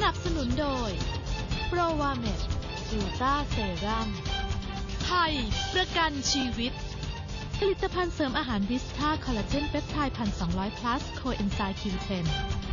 นับสนุนโดยโปรวาเมดซูต้าเซรั่มไทยประกันชีวิตผลิตภัณฑ์เสริมอาหารวิสต้าคอลลาเจนเปปไทด์1,200 plus โคเอนไซม์ Q10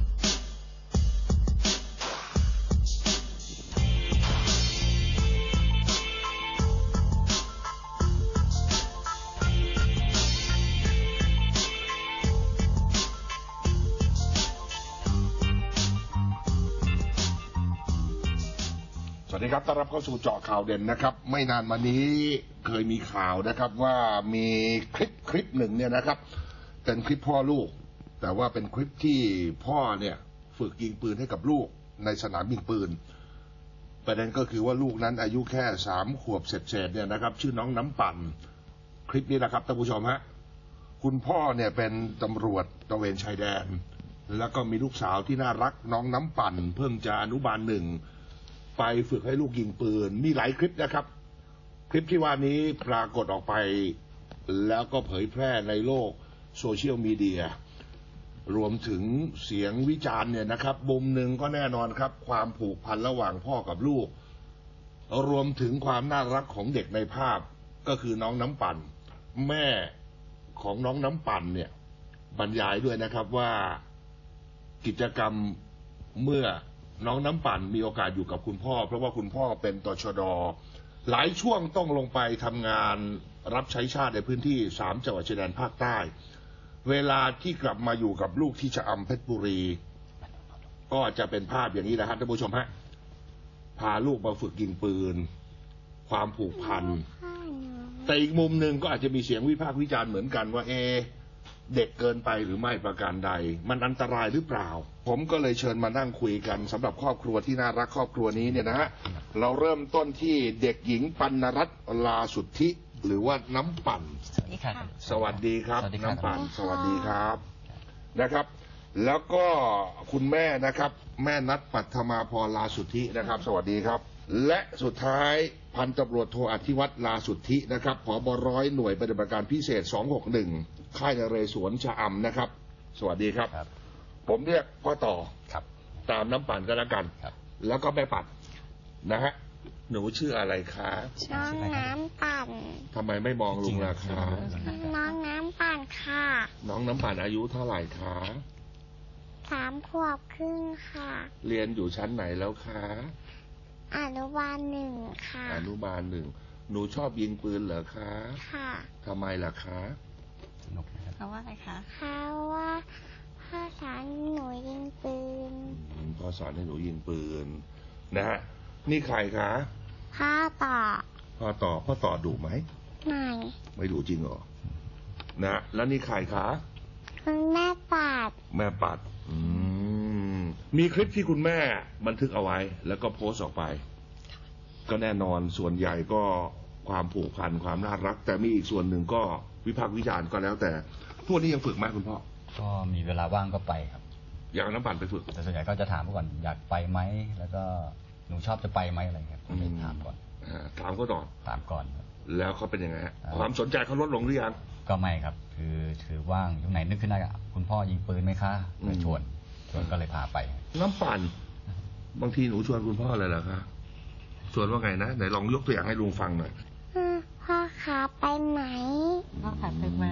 สวัสดีครับต้อนรับเข้าสู่เจาะข่าวเด่นนะครับไม่นานมานี้เคยมีข่าวนะครับว่ามีคลิปหนึ่งเนี่ยนะครับเป็นคลิปพ่อลูกแต่ว่าเป็นคลิปที่พ่อเนี่ยฝึกยิงปืนให้กับลูกในสนามยิงปืนประเด็นก็คือว่าลูกนั้นอายุแค่3 ขวบเศษเนี่ยนะครับชื่อน้องน้ำปั่นคลิปนี้นะครับท่านผู้ชมฮะคุณพ่อเนี่ยเป็นตำรวจตระเวนชายแดนแล้วก็มีลูกสาวที่น่ารักน้องน้ำปั่นเพิ่งจะอนุบาล1ไปฝึกให้ลูกยิงปืนมีหลายคลิปนะครับคลิปที่ว่านี้ปรากฏออกไปแล้วก็เผยแพร่ในโลกโซเชียลมีเดียรวมถึงเสียงวิจารณ์เนี่ยนะครับมุมหนึ่งก็แน่นอนครับความผูกพันระหว่างพ่อกับลูกรวมถึงความน่ารักของเด็กในภาพก็คือน้องน้ำปั่นแม่ของน้องน้ำปั่นเนี่ยบรรยายด้วยนะครับว่ากิจกรรมเมื่อน้องน้ำปั่นมีโอกาสอยู่กับคุณพ่อเพราะว่าคุณพ่อเป็นตชด.หลายช่วงต้องลงไปทำงานรับใช้ชาติในพื้นที่3 จังหวัดชายแดนภาคใต้เวลาที่กลับมาอยู่กับลูกที่ชะอำเพชรบุรีก็จะเป็นภาพอย่างนี้นะครับท่านผู้ชมฮะพาลูกมาฝึกยิงปืนความผูกพันแต่อีกมุมหนึ่งก็อาจจะมีเสียงวิพากษ์วิจารณ์เหมือนกันว่าเด็กเกินไปหรือไม่ประการใดมันอันตรายหรือเปล่าผมก็เลยเชิญมานั่งคุยกันสำหรับครอบครัวที่น่ารักครอบครัวนี้เนี่ยนะฮะเราเริ่มต้นที่เด็กหญิงปัณรัตน์ลาสุทธิหรือว่าน้ำปั่นสวัสดีครับสวัสดีครับน้ำปั่นสวัสดีครับนะครับแล้วก็คุณแม่นะครับแม่นัทปัทมาพรลาสุทธินะครับสวัสดีครับและสุดท้ายพันตำรวจโทอธิวัฒน์ลาสุทธินะครับผบ.ร้อยหน่วยปฏิบัติการพิเศษ261ค่ายนเรศวรชะอำนะครับสวัสดีครับผมเรียกพ่อต่อตามน้ำปั่นก็แล้วกันแล้วก็แม่ปั่นนะฮะหนูชื่ออะไรคะน้องน้ำปั่นทำไมไม่มองลุงล่ะคะน้องน้ำปั่นค่ะน้องน้ำปั่นอายุเท่าไหร่คะ 3 ขวบครึ่งค่ะเรียนอยู่ชั้นไหนแล้วคะอนุบาล1ค่ะอนุบาล1หนูชอบยิงปืนเหรอคะค่ะทำไมล่ะคะเพราะว่าอะไรคะเพราะว่าพ่อสอนหนูยิงปืนพ่อสอนให้หนูยิงปืนนะฮะนี่ใครคะพ่อต่อดุไหมไม่ดุจริงเหรอนะแล้วนี่ใครคะคุณแม่ปัดมีคลิปที่คุณแม่บันทึกเอาไว้แล้วก็โพสต์ออกไปก็แน่นอนส่วนใหญ่ก็ความผูกพันความน่ารักแต่มีอีกส่วนหนึ่งก็วิพากษ์วิจารณ์ก็แล้วแต่พวกนี้ยังฝึกไหมคุณพ่อก็มีเวลาว่างก็ไปครับอย่างน้ำปั่นไปฝึกแต่ส่วนใหญ่ก็จะถามก่อนอยากไปไหมแล้วก็หนูชอบจะไปไหมอะไรครับก็เลยถามก่อนถามก็ต่อถามก่อนแล้วเขาเป็นยังไงฮะความสนใจเขาลดลงหรือยังก็ไม่ครับคือถือว่างอยู่ไหนนึกขึ้นได้คุณพ่อยิงปืนไหมคะเลยชวนก็เลยพาไปน้ำปั่นบางทีหนูชวนคุณพ่ออะไรเหรอคะชวนว่าไงนะไหนลองยกตัวอย่างให้ลุงฟังหน่อยพ่อขาไปไหมพ่อขาไปไหม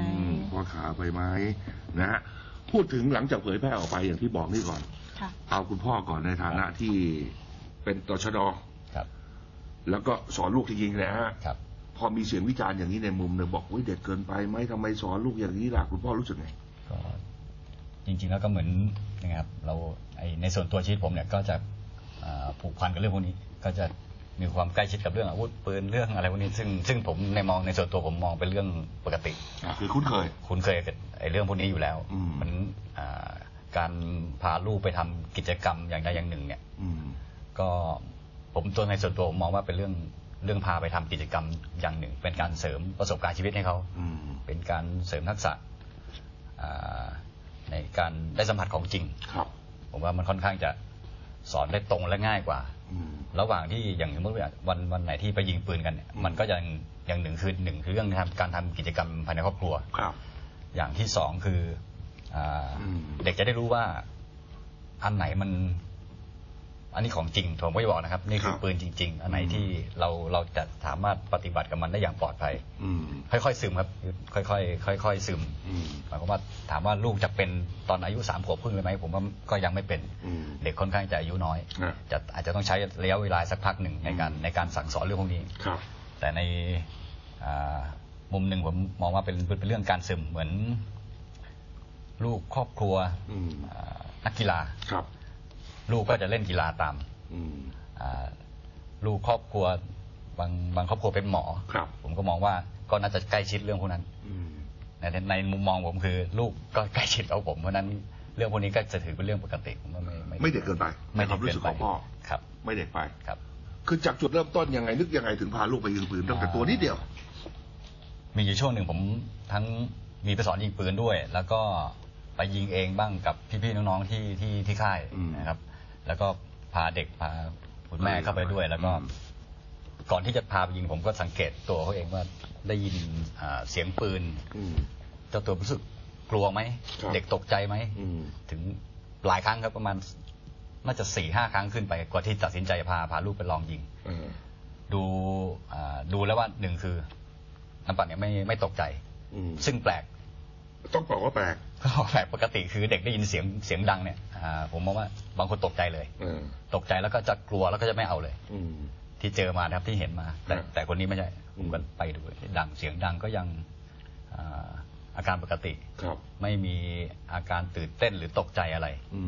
นะฮะพูดถึงหลังจากเผยแพร่ออกไปอย่างที่บอกนี่ก่อนเอาคุณพ่อก่อนในฐานะที่เป็นตชด.แล้วก็สอนลูกจริงๆนะฮะพอมีเสียงวิจารณ์อย่างนี้ในมุมหนึ่งบอกเด็กเกินไปไหมทำไมสอนลูกอย่างนี้ล่ะคุณพ่อรู้สึกไงก็จริงๆแล้วก็เหมือนนะครับเราในส่วนตัวชีวิตผมเนี่ยก็จะผูกพันกับเรื่องพวกนี้ก็จะมีความใกล้ชิดกับเรื่องอาวุธปืนเรื่องอะไรพวกนี้ซึ่งผมในส่วนตัวผมมองเป็นเรื่องปกติคือคุ้นเคยกับเรื่องพวกนี้อยู่แล้วมันการพาลูกไปทำกิจกรรมอย่างใดอย่างหนึ่งเนี่ยก็ผมตัวในส่วนตัวผมมองว่าเป็นเรื่องพาไปทำกิจกรรมอย่างหนึ่งเป็นการเสริมประสบการณ์ชีวิตให้เขาเป็นการเสริมทักษะในการได้สัมผัสของจริงผมว่ามันค่อนข้างจะสอนได้ตรงและง่ายกว่าระหว่างที่อย่างสมมติว่าวันไหนที่ไปยิงปืนกันมันก็อย่างหนึ่งคือเรื่องการทำกิจกรรมภายในครอบครัวอย่างที่2คือเด็กจะได้รู้ว่าอันไหนมันอันนี้ของจริงผมก็จะบอกนะครับนี่คือปืนจริงๆอันไหนที่เราจะสามารถปฏิบัติกับมันได้อย่างปลอดภัยค่อยๆซึมครับค่อยๆซึมหมายความว่าถามว่าลูกจะเป็นตอนอายุ3 ขวบครึ่งเลยไหมผมว่าก็ยังไม่เป็นเด็กค่อนข้างจะอายุน้อยอาจจะต้องใช้ระยะเวลาสักพักหนึ่งในการสั่งสอนเรื่องพวกนี้แต่ในมุมหนึ่งผมมองว่าเป็นเรื่องการซึมเหมือนลูกครอบครัวนักกีฬาลูกก็จะเล่นกีฬาตามลูกครอบครัวบางครอบครัวเป็นหมอผมก็มองว่าก็น่าจะใกล้ชิดเรื่องพวกนั้นในมุมมองผมคือลูกก็ใกล้ชิดกับผมเพราะนั้นเรื่องพวกนี้ก็จะถือเป็นเรื่องปกติผมว่าไม่เด็กเกินไปในความรู้สึกของพ่อครับไม่เด็กไปครับคือจากจุดเริ่มต้นยังไงนึกยังไงถึงพาลูกไปยิงปืนตั้งแต่ตัวนิดเดียวมีอยู่ช่วงหนึ่งผมทั้งมีไปสอนยิงปืนด้วยแล้วก็ไปยิงเองบ้างกับพี่ๆน้องๆที่ค่ายนะครับแล้วก็พาเด็กพาคุณแม่เข้าไปด้วยแล้วก็ก่อนที่จะพาไปยิงผมก็สังเกตตัวเขาเองว่าได้ยินเสียงปืนเจ้าตัวรู้สึกกลัวไหมเด็กตกใจไหมถึงหลายครั้งครับประมาณน่าจะ 4-5 ครั้งขึ้นไปกว่าที่ตัดสินใจพาลูกไปลองยิงดูแล้วว่าหนึ่งคือน้ำปั่นเนี่ยไม่ตกใจซึ่งแปลกต้องบอกว่าแปลกปกติคือเด็กได้ยินเสียงดังเนี่ยผมมองว่าบางคนตกใจเลยตกใจแล้วก็จะกลัวแล้วก็จะไม่เอาเลยที่เจอมานะครับที่เห็นมาแต่คนนี้ไม่ใช่ผมก็ไปดูดังเสียงดังก็ยังอาการปกติไม่มีอาการตื่นเต้นหรือตกใจอะไร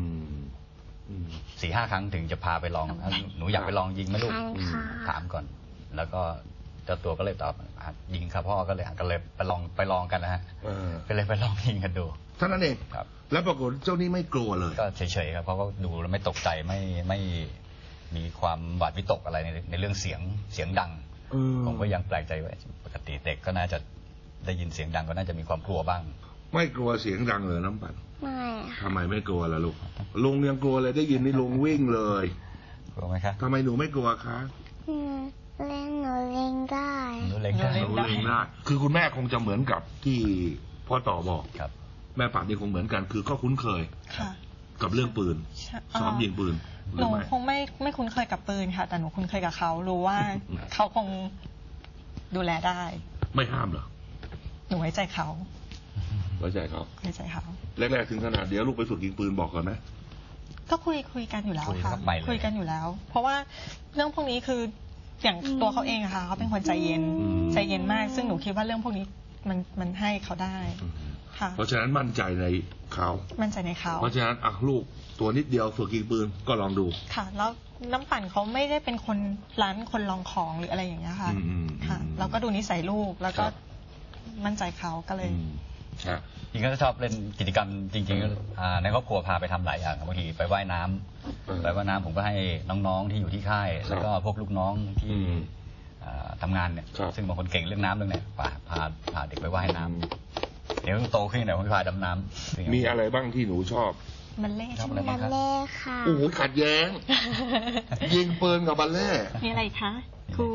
4-5 ครั้งถึงจะพาไปลองหนูอยากไปลองยิงไหมลูกถามก่อนแล้วก็เจ้าตัวก็เลยตอบยิงครับพ่อก็เลยไปลองกันนะฮะก็เลยไปลองยิงกันดูเท่านั้นเองครับแล้วปรากฏเจ้านี่ไม่กลัวเลยก็เฉยๆครับเพราะก็ดูแล้วไม่ตกใจไม่มีความหวาดวิตกอะไรในเรื่องเสียงดังผมก็ยังแปลกใจว่าปกติเด็กก็น่าจะได้ยินเสียงดังก็น่าจะมีความกลัวบ้างไม่กลัวเสียงดังเลยน้ำปั่นไม่ทำไมไม่กลัวล่ะลูกลุงยังกลัวเลยได้ยินนี่ลุงวิ่งเลยกลัวไหมครับทำไมหนูไม่กลัวคะเล่นหนูเล่นได้หนูเล่นได้คือคุณแม่คงจะเหมือนกับที่พ่อต่อบอกครับแม่ป่านนี่คงเหมือนกันคือก็คุ้นเคยกับเรื่องปืนซ้อมยิงปืนหนูคงไม่คุ้นเคยกับปืนค่ะแต่หนูคุ้นเคยกับเขารู้ว่าเขาคงดูแลได้ไม่ห้ามเหรอหนูไว้ใจเขาไว้ใจเขาแรกๆถึงขนาดเดี๋ยวลูกไปฝึกยิงปืนบอกก่อนไหมก็คุยกันอยู่แล้วค่ะคุยกันอยู่แล้วเพราะว่าเรื่องพวกนี้คืออย่างตัวเขาเองอะค่ะเขาเป็นคนใจเย็นมากซึ่งหนูคิดว่าเรื่องพวกนี้มันให้เขาได้ค่ะเพราะฉะนั้นมั่นใจในเขาเพราะฉะนั้นลูกตัวนิดเดียวฝึกยิงปืนก็ลองดูค่ะแล้วน้ำปั่นเขาไม่ได้เป็นคนคนลองของหรืออะไรอย่างเงี้ยค่ะค่ะเราก็ดูนิสัยลูกแล้วก็มั่นใจเขาก็เลยจริงก็ชอบเล่นกิจกรรมจริงๆในครอบครัวพาไปทำหลายอย่างบางทีไปว่ายน้ำผมก็ให้น้องๆที่อยู่ที่ค่ายแล้วก็พวกลูกน้องที่ทำงานเนี่ยซึ่งบางคนเก่งเรื่องน้ำเรื่องเนี่ยพาเด็กไปว่ายน้ำเดี๋ยวโตขึ้นเดี๋ยวพาดำน้ำมีอะไรบ้างที่หนูชอบบัลเล่ค่ะโอ้โหขัดแย้งยิงปืนกับบัลเล่มีอะไรคะครู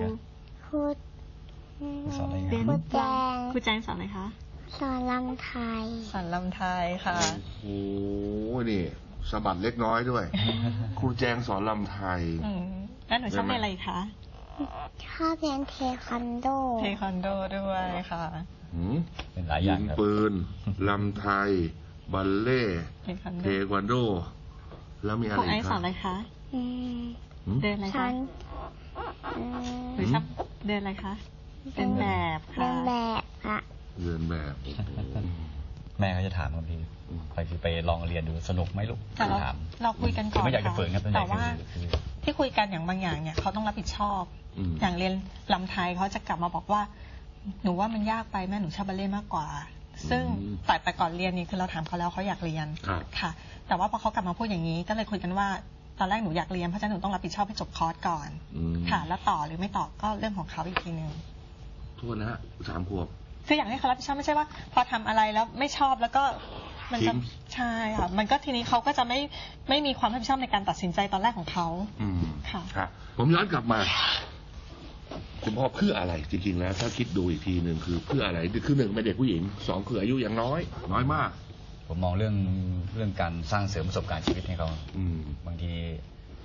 แจงสอนอะไรคะสอนลำไทยค่ะโอ้โหนี่สะบัดเล็กน้อยด้วยครูแจงสอนลำไทยแล้วหนูชอบเรียนอะไรคะชอบเรียนเทควันโดด้วยค่ะเป็นหลายอย่างยิงปืนลำไทยบัลเล่เทควันโดแล้วมีอะไรครูไอซ์สอนอะไรคะเดินอะไรคะหรือชอบเดินอะไรคะเป็นแบบค่ะเรียนแบบแม่ก็จะถามบางทีไปลองเรียนดูสนุกไหมลูกถามเราคุยกันก่อนไม่อยากจะฝืนครับแต่ว่าที่คุยกันอย่างบางอย่างเนี่ยเขาต้องรับผิดชอบอย่างเรียนลำไทยเขาจะกลับมาบอกว่าหนูว่ามันยากไปแม่หนูชอบบัลเล่ต์มากกว่าซึ่งแต่ก่อนเรียนนี่คือเราถามเขาแล้วเขาอยากเรียนค่ะแต่ว่าพอเขากลับมาพูดอย่างนี้ก็เลยคุยกันว่าตอนแรกหนูอยากเรียนเพราะฉะนั้นหนูต้องรับผิดชอบให้จบคอร์สก่อนค่ะแล้วต่อหรือไม่ต่อก็เรื่องของเขาอีกทีนึงโทษนะฮะ3 ขวบคืออยากให้เขารับผิดชอบไม่ใช่ว่าพอทำอะไรแล้วไม่ชอบแล้วก็มันจะใช่ค่ะมันก็ทีนี้เขาก็จะไม่มีความรับผิดชอบในการตัดสินใจตอนแรกของเขาค่ะผมย้อนกลับมาคุณพ่อเพื่ออะไรจริงๆแล้วถ้าคิดดูอีกทีหนึ่งคือเพื่ออะไรคือ1เป็นเด็กผู้หญิง2คืออายุยังน้อยมากผมมองเรื่องการสร้างเสริมประสบการณ์ชีวิตให้เขาบางที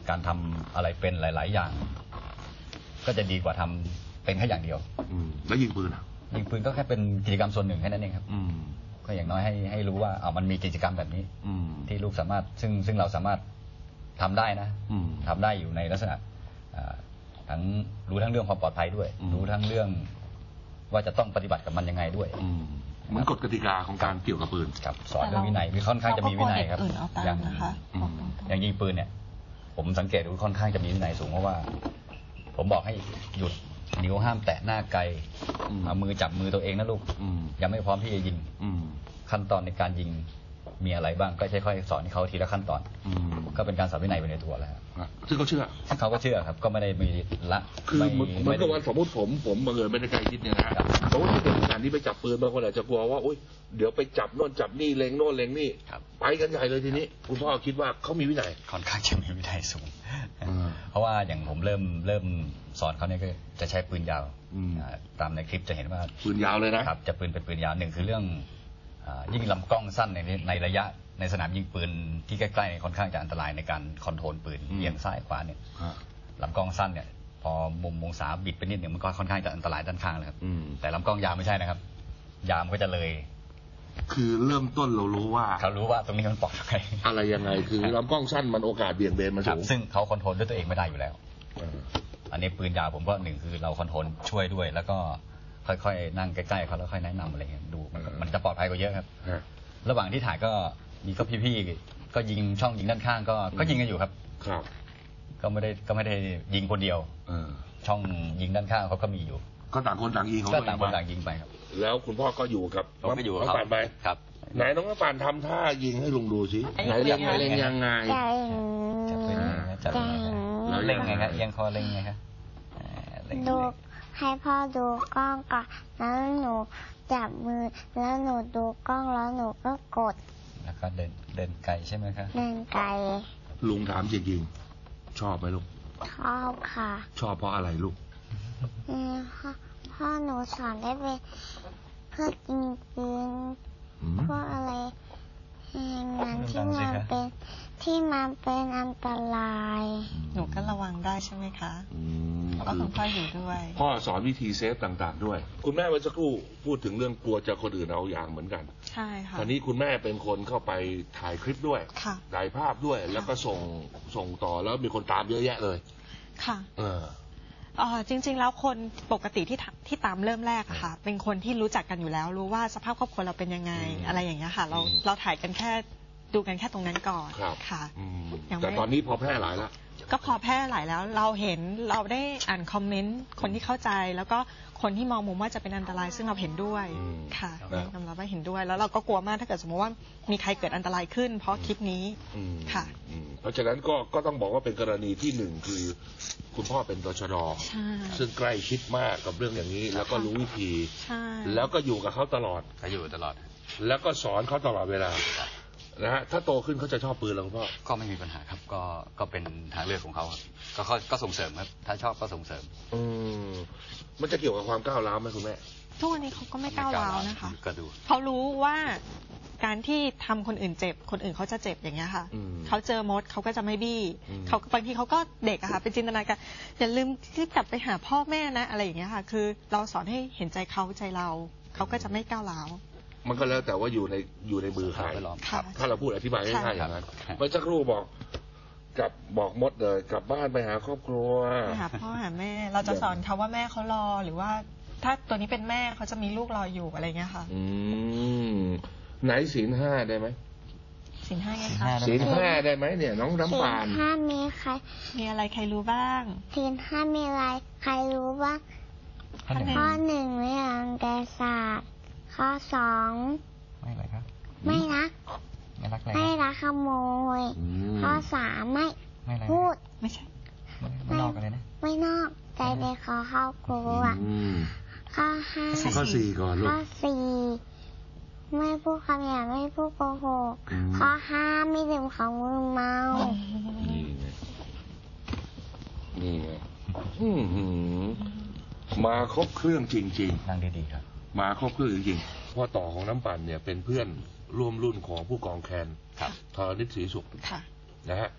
การทำอะไรเป็นหลาย ๆ อย่าง ก็จะดีกว่าทำเป็นแค่อย่างเดียวแล้วยิงปืนยิงปืนก็แค่เป็นกิจกรรมส่วนหนึ่งแค่นั้นเองครับก็อย่างน้อยให้รู้ว่ามันมีกิจกรรมแบบนี้ที่ลูกสามารถซึ่งเราสามารถทำได้นะทำได้อยู่ในลักษณะทั้งรู้ทั้งเรื่องความปลอดภัยด้วยรู้ทั้งเรื่องว่าจะต้องปฏิบัติกับมันยังไงด้วยเหมือนกฎกติกาของการเกี่ยวกับปืนครับสอนเรื่องวินัยค่อนข้างจะมีวินัยครับอย่างยิงปืนเนี่ยผมสังเกตดูค่อนข้างจะมีวินัยสูงเพราะว่าผมบอกให้หยุดนิ้วห้ามแตะหน้าไกลเอามือจับมือตัวเองนะลูกยังไม่พร้อมที่จะยิงขั้นตอนในการยิงมีอะไรบ้างก็ค่อยๆสอนให้เขาทีละขั้นตอนก็เป็นการสอนวินัยไปในตัวแล้วซึ่งเขาเชื่อเขาก็เชื่อครับก็ไม่ได้มีละคือเหมือนกับว่าสมมติผมบังเอิญไม่ได้ใจคิดเนี่ยนะเพราะว่าเด็กขนาดนี้ไปจับปืนบางคนอาจจะกลัวว่าโอ๊ยเดี๋ยวไปจับโน่นจับนี่เล็งโน่นเล็งนี่ไปกันใหญ่เลยทีนี้คุณพ่อคิดว่าเขามีวินัยค่อนข้างจะมีวินัยสูงเพราะว่าอย่างผมเริ่มสอนเขาเนี่ยก็จะใช้ปืนยาวตามในคลิปจะเห็นว่าปืนยาวเลยนะครับจะเป็นปืนยาวหนึ่งคือเรื่องยิ่งลำกล้องสั้นในระยะในสนามยิงปืนที่ใกล้ๆค่อนข้างจะอันตรายในการคอนโทรลปืนเอียงซ้ายขวาเนี่ยลำกล้องสั้นเนี่ยพอมุมองศาบิดไปนิดหนึ่งมันก็ค่อนข้างจะอันตรายด้านข้างเลยครับแต่ลำกล้องยาวไม่ใช่นะครับยาวก็จะเลยคือเริ่มต้นเรารู้ว่าเขารู้ว่าตรงนี้มันปลอดภัยอะไรยังไงคือลำกล้องสั้นมันโอกาสเบี่ยงเบนมันสูงซึ่งเขาคอนโทรลด้วยตัวเองไม่ได้อยู่แล้วอันนี้ปืนยาวผมก็หนึ่งคือเราคอนโทรลช่วยด้วยแล้วก็ค่อยๆนั่งใกล้ๆเขาแล้วค่อยแนะนำอะไรเงี้ยดูมันจะปลอดภัยกว่าเยอะครับระหว่างที่ถ่ายก็มีก็พี่ๆก็ยิงช่องยิงด้านข้างก็ยิงกันอยู่ครับก็ไม่ได้ยิงคนเดียวช่องยิงด้านข้างเขาก็มีอยู่ก็ต่างคนต่างยิงของตัวเองต่างคนต่างยิงไปครับแล้วคุณพ่อก็อยู่กับน้องป่านไปครับไหนน้องป่านทำท่ายิงให้ลุงดูสิไหนเล็งยังไงจะเป็นเล็งไงครับยังคอเล็งไงครับดูให้พ่อดูกล้องก่อนแล้วหนูจับมือแล้วหนูดูกล้องแล้วหนูก็กดแล้วก็เดินไกลใช่ไหมครับเดินไกลลุงถามจริงๆชอบไหมลูกชอบค่ะชอบเพราะอะไรลูกพ่อหนูสอนได้เป็นเพื่อยิงปืนเพื่ออะไรงานที่มันเป็นอันตรายหนูก็ระวังได้ใช่ไหมคะแล้วก็ต้องพ่ออยู่ด้วยพ่อสอนวิธีเซฟต่างๆด้วยคุณแม่เมื่อสักครู่พูดถึงเรื่องกลัวจะคนอื่นเอาอย่างเหมือนกันใช่ค่ะตอนนี้คุณแม่เป็นคนเข้าไปถ่ายคลิปด้วยถ่ายภาพด้วยแล้วก็ส่งต่อแล้วมีคนตามเยอะแยะเลยค่ะจริงๆแล้วคนปกติที่ตามเริ่มแรกค่ะเป็นคนที่รู้จักกันอยู่แล้วรู้ว่าสภาพครอบครัวเราเป็นยังไงอะไรอย่างเงี้ยค่ะเราถ่ายกันแค่ดูกันแค่ตรงนั้นก่อนค่ะแต่ตอนนี้พอแพร่หลายแล้วก็พอแพร่หลายแล้วเราเห็นเราได้อ่านคอมเมนต์คนที่เข้าใจแล้วก็คนที่มองมุมว่าจะเป็นอันตรายซึ่งเราเห็นด้วยค่ะยอมรับว่าเห็นด้วยแล้วเราก็กลัวมากถ้าเกิดสมมติว่ามีใครเกิดอันตรายขึ้นเพราะคลิปนี้ค่ะเพราะฉะนั้นก็ต้องบอกว่าเป็นกรณีที่หนึ่งคือคุณพ่อเป็นตชด.ซึ่งใกล้ชิดมากกับเรื่องอย่างนี้แล้วก็รู้วิธีแล้วก็อยู่กับเขาตลอดอยู่ตลอดแล้วก็สอนเขาตลอดเวลานะฮะถ้าโตขึ้นเขาจะชอบปืนแล้วคุณพ่อก็ไม่มีปัญหาครับก็เป็นทางเลือกของเขาก็ส่งเสริมครับถ้าชอบก็ส่งเสริมมันจะเกี่ยวกับความก้าวร้าวไหมคุณแม่ทุกวันนี้เขาก็ไม่ก้าวร้าวนะคะก็ดูเขารู้ว่าการที่ทำคนอื่นเจ็บคนอื่นเขาจะเจ็บอย่างเงี้ยค่ะเขาเจอมดเขาก็จะไม่บี้เขาบางทีเขาก็เด็กอะค่ะเป็นจินตนาการอย่าลืมที่กลับไปหาพ่อแม่นะอะไรอย่างเงี้ยค่ะคือเราสอนให้เห็นใจเขาใจเราเขาก็จะไม่ก้าวร้าวมันก็แล้วแต่ว่าอยู่ในมือใครถ้าเราพูดอธิบายง่ายๆอย่างนั้นเมื่อสักครู่บอกมดเลยกลับบ้านไปหาครอบครัวไปหาพ่อหาแม่เราจะสอนเขาว่าแม่เขารอหรือว่าถ้าตัวนี้เป็นแม่เขาจะมีลูกรออยู่อะไรเงี้ยค่ะไหนศีล 5ได้ไหมศีล 5ไงคะศีล 5ได้ไหมเนี่ยน้องน้ำปานศีล 5มีอะไรใครรู้บ้างศีล 5มีอะไรใครรู้บ้างข้อ 1ไม่รังแกสัตว์ข้อ 2 ไม่อะไรครับไม่รักขโมยข้อ 3ไม่พูดไม่ใช่ไม่นอกกันเลยนะไม่นอกใจในคอเข้าครัวข้อ 5 ข้อ 4ก่อนลูกข้อ 4ไม่พูดคำหยาบไม่พูดโกหกข้อ 5ไม่ดื่มของมึนเมานี่ไงมาครบเครื่องจริงๆนั่งดีๆครับมาครบเครื่องจริงๆพ่อต่อของน้ำปั่นเนี่ยเป็นเพื่อนร่วมรุ่นของผู้กองแคนธรณิตศรีสุขนะฮะ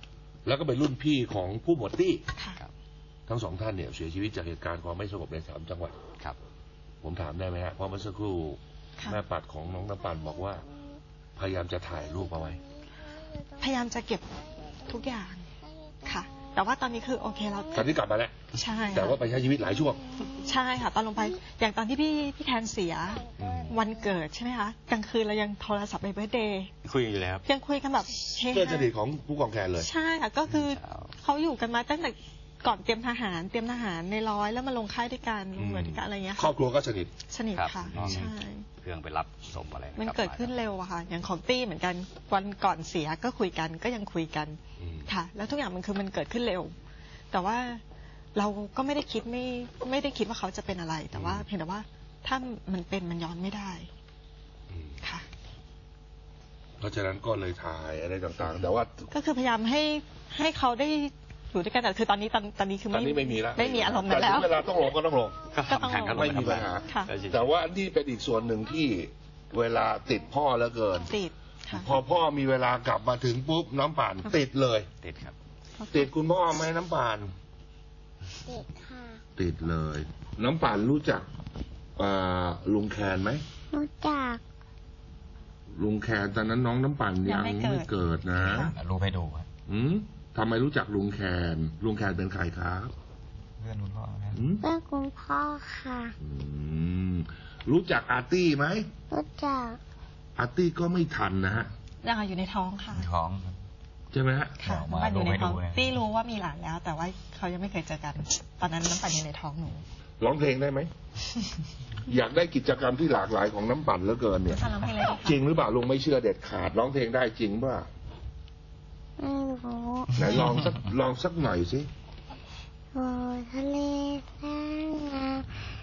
แล้วก็เป็นรุ่นพี่ของผู้หมวดตี้ค่ะทั้งสองท่านเนี่ยเสียชีวิตจากเหตุการณ์ความไม่สงบใน3 จังหวัดครับผมถามได้ไหมฮะเพราะเมื่อสักครู่ค่ะแม่ปัดของน้องน้ำปั่นบอกว่าพยายามจะถ่ายรูปเอาไว้พยายามจะเก็บทุกอย่างค่ะ แต่ว่าตอนนี้คือโอเคเราตอนนี้กลับมาแล้วใช่ค่ะแต่ว่าไปใช้ชีวิตหลายช่วงใช่ค่ะ ตอนลงไปอย่างตอนที่พี่แทนเสียอืมวันเกิดใช่ไหมคะกลางคืนเรายังโทรศัพท์ไปเบิร์ธเดย์คุยอยู่แล้วยังคุยกันแบบเฮเพื่อนสฮานิทของผู้กองแคนเลยใช่ค่ะก็คือเขาอยู่กันมาตั้งแต่ก่อนเตรียมทหารในร้อยแล้วมาลงค่ายด้วยกันลงหน่วยด้วยกันอะไรเงี้ยครอบครัวก็สนิทสนิทครับค่ะน้องใช่เครื่องไปรับศพอะไรมันกลับาเกิดขึ้นเร็วอะค่ะ อย่างของตี้เหมือนกันวันก่อนเสียก็คุยกันก็ยังคุยกันอืมค่ะ แล้วทุกอย่างมันคือมันเกิดขึ้นเร็ว แต่ว่าเราก็ไม่ได้คิดว่าเขาจะเป็นอะไร แต่ว่าเพียงแต่ว่าถ้ามันเป็นมันย้อนไม่ได้อืมค่ะเพราะฉะนั้นก็เลยถ่ายอะไรต่างๆ แต่ว่าก็คือพยายามให้เขาได้อยู่ด้วยกันแต่คือตอนนี้คือตอนนี้ไม่มีแล้วไม่มีอารมณ์นั้นแล้วต่ถึงเวลาต้องลงก็ต้องลงก็ก็ต้องทำแข่งกันไม่มีปัญหาค่ะแต่ว่านี่เป็นอีกส่วนหนึ่งที่เวลาติดพ่อแล้วเกินติดค่ะพอพ่อมีเวลากลับมาถึงปุ๊บน้ำป่านติดเลยติดครับติดคุณพ่อไหมน้ำป่านติดค่ะติดเลย น้ำป่านรู้จักลุงแคนไหมรู้จักลุงแคนตอนนั้นน้องน้ำป่านยังไม่เกิดนะรูปให้ดูครับอืมทำไมรู้จักลุงแคนลุงแคนเป็นใครครับเพื่อนคุณพ่อครับอืมเพื่อนคุณพ่อค่ะอืมรู้จักอาร์ตี้ไหมรู้จักอาร์ตี้ก็ไม่ทันนะฮะยังอยู่ในท้องค่ะท้องครับใช่ไหมฮะค่ะเอามาน้ำปั่นอยู่ในท้องดูให้ดูนะตี้รู้ว่ามีหลานแล้ว แต่ว่าเขายังไม่เคยเจอกัน ตอนนั้นน้ำปั่นอยู่ในท้องหนูร้องเพลงได้ไหม อยากได้กิจกรรมที่หลากหลายของน้ำปั่นเหลือเกินเนี่ยฟังร้องเพลงเลยดีจริงหรือเปล่าลุงไม่เชื่อเด็ดขาดร้องเพลงได้จริงป่ะไม่รู้ไหนลองสักหน่อยสิโอ้ทะเลแสนงาม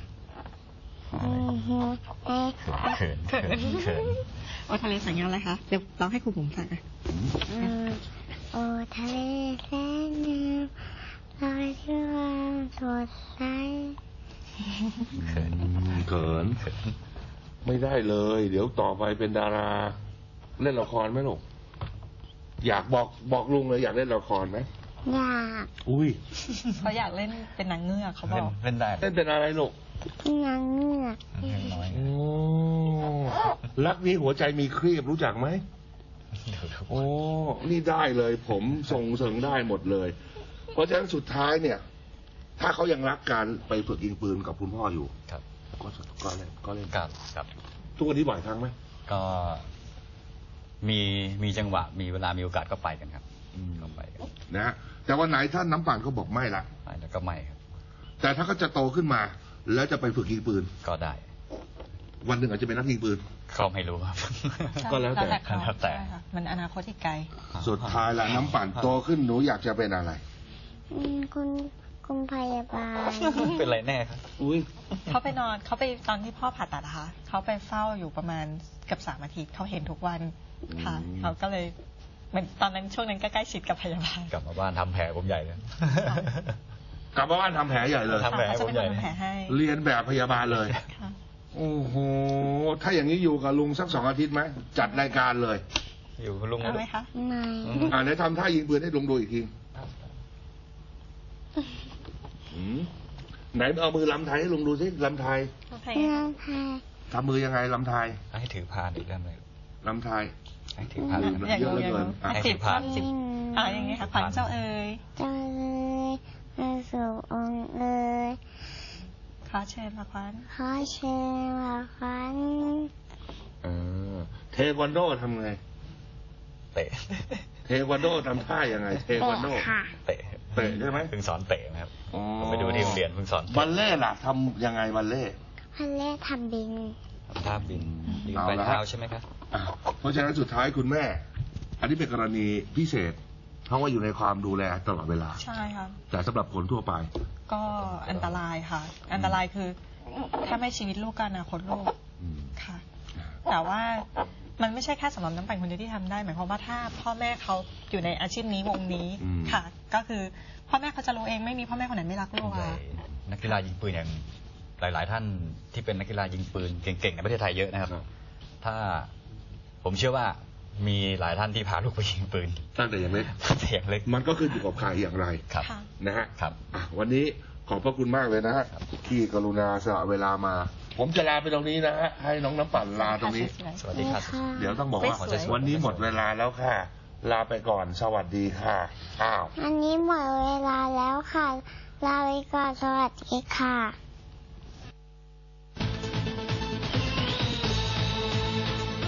เอ๊ะเขินเขินเขินโอ้ทะเลสัญญาอะไรคะเดี๋ยวร้องให้ครูผมฟังอ่ะโอ้ทะเลแสนงามลอยที่ความสดใสเขินเขินเขินไม่ได้เลย เดี๋ยวต่อไปเป็นดารา เล่นละครไหมลูกอยากบอกลุงเลยอยากเล่นละครไหมอยากอุ้ยเขาอยากเล่นเป็นนางเงือกเขาบเล่อน กเล่นได้เล่นเป็นอะไรลูกเป็นนางเงือกเล่นน้อยโอ้รักนี้หัวใจมีครีบรู้จักไหม โอ้ นี่ได้เลย ผมส่งเสริงได้หมดเลย เพราะฉะนั้นสุดท้ายเนี่ย ถ้าเขายังรักการไปฝึกยิงปืนกับคุณพ่ออยู่ครับก็เล่นครับทุกวันนี้บ่อยครั้งไหมก็มีจังหวะมีเวลามีโอกาสก็ไปกันครับก็ไปกันนะฮะแต่วันไหนท่านน้ำป่านก็บอกไม่ละไปแล้วก็ไม่ครับแต่ถ้าเขาจะโตขึ้นมา แล้วจะไปฝึกยิงปืนก็ได้วันหนึ่งอาจจะเป็นนักยิงปืนก็ไม่รู้ครับก็แล้วแต่เขาแล้วแต่ใช่ค่ะมันอนาคตอีกไกลสุดท้ายละน้ำป่านโตขึ้นหนูอยากจะเป็นอะไรคุณพยาบาลเป็นไรแน่ครับอุ้ยเขาไปตอนที่พ่อผ่าตัดนะคะเขาไปเฝ้าอยู่ประมาณเกือบ3 อาทิตย์เขาเห็นทุกวันค่ะเขาก็เลยเหมือนตอนนั้นช่วงนั้นก็ใกล้ชิดกับพยาบาลกลับมาบ้านทำแผลผมใหญ่เลยกลับมาบ้านทำแผลใหญ่เลยทำแผลเขาจะเป็นคนทำแผลให้เรียนแบบพยาบาลเลยค่ะโอ้โห ถ้าอย่างนี้อยู่กับลุงสัก2 อาทิตย์ไหม จัดรายการเลยอยู่กับลุงเอาไหมคะไม่ไหนทำท่ายิงปืนให้ลุงดูอีกทีอืมไหนเอามือลำไทยให้ลุงดูสิลำไทยโอเคเรื่องไทยทำมือยังไงลำไทยให้ถือพานอีกเรื่องเลยลำไทยให้ถือพานอยากรู้อยากรู้อ่ะสิบผ่านสิบอย่างนี้ค่ะขวัญเจ้าเอ๋ยเจ้าเลยมาสู่องค์เอ๋ยขอเชิญมาขวัญขอเชิญมาขวัญเทควันโดทำไงเตะเทควันโดทำท่ายังไง เทควันโดค่ะเตะเตะใช่ไหมเพิ่งสอนเตะนะครับอ๋อผมไปดูที่โรงเรียนเพิ่งสอนเตะบัลเล่ต์ล่ะทำยังไงบัลเล่ต์พันเล่ทำบินทำท่าบินยืนเอาไปละเท้าใช่ไหมครับอ่ะเพราะฉะนั้นสุดท้ายคุณแม่ อันนี้เป็นกรณีพิเศษ เพราะว่าอยู่ในความดูแลตลอดเวลาใช่ค่ะแต่สำหรับคนทั่วไปก็อันตรายค่ะ อันตรายคือ ถ้าไม่ชีวิตลูกก็อนาคตลูกอืมค่ะ แต่ว่ามันไม่ใช่แค่สำหรับน้ำปั่นคนเดียวที่ทำได้ หมายความว่าถ้าพ่อแม่เขาอยู่ในอาชีพนี้วงนี้อืมค่ะ ก็คือพ่อแม่เขาจะรู้เองไม่มีพ่อแม่คนไหนไม่รักลูกใหญ่ค่ะนักกีฬายิงปืนอย่างหลาย ๆ ท่านที่เป็นนักกีฬายิงปืนเก่ง ๆ ในประเทศไทยเยอะนะครับ ถ้าผมเชื่อว่ามีหลายท่านที่พาลูกไปยิงปืนตั้งแต่ยังเล็ก มันก็ขึ้นอยู่กับใครอย่างไรครับนะฮะครับวันนี้ขอบพระคุณมากเลยนะฮะที่กรุณาสละเวลามา ผมจะลาไปตรงนี้นะฮะให้น้องน้ำปั่นลาตรงนี้สวัสดีครับเดี๋ยวต้องบอกว่าสวยๆวันนี้หมดเวลาแล้วค่ะ ลาไปก่อนสวัสดีค่ะอ้าวอันนี้หมดเวลาแล้วค่ะ ลาไปก่อนสวัสดีค่ะ